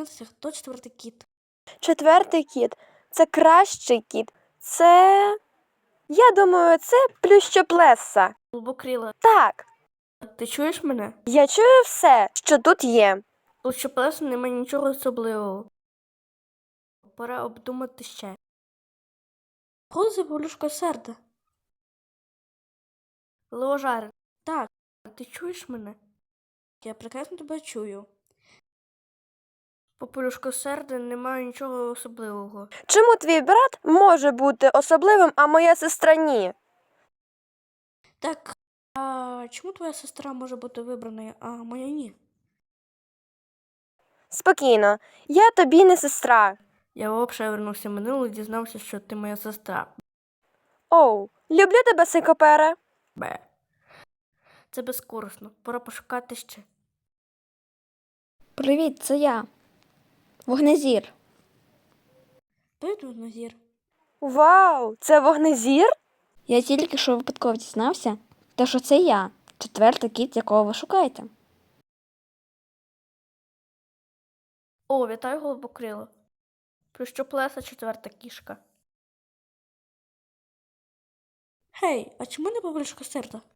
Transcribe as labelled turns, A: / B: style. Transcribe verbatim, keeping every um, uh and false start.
A: дізнатися, хто четвертий кіт.
B: Четвертий кіт – це кращий кіт. Це, я думаю, це плющоплеса.
A: Голубокрила,
B: Так,
A: ти чуєш мене?
B: я чую все, що тут є.
A: Плющоплеса немає нічого особливого. Пора обдумати ще. Коли за Павлюшка серда? Леожари, так, ти чуєш мене? Я прекрасно тебе чую. Попелюшка серди немає нічого особливого.
B: Чому твій брат може бути особливим, а моя сестра ні?
A: Так, а чому твоя сестра може бути вибраною, а моя ні?
B: Спокійно, я тобі не сестра.
A: Я взагалі вернувся в минуле і дізнався, що ти моя сестра.
B: Оу, люблю тебе, сикопере.
A: Бе. Це безкорисно. Пора пошукати ще.
C: Привіт, це я. Вогнезір.
A: Привіт, Назір.
B: Вау, це вогнезір?
C: Я тільки що випадково дізнався, та що це я, четвертий кіт, якого ви шукаєте.
A: О, вітаю, голубокрило. Плющоплеса четверта кішка. Гей, а чому не Павлюшка серда?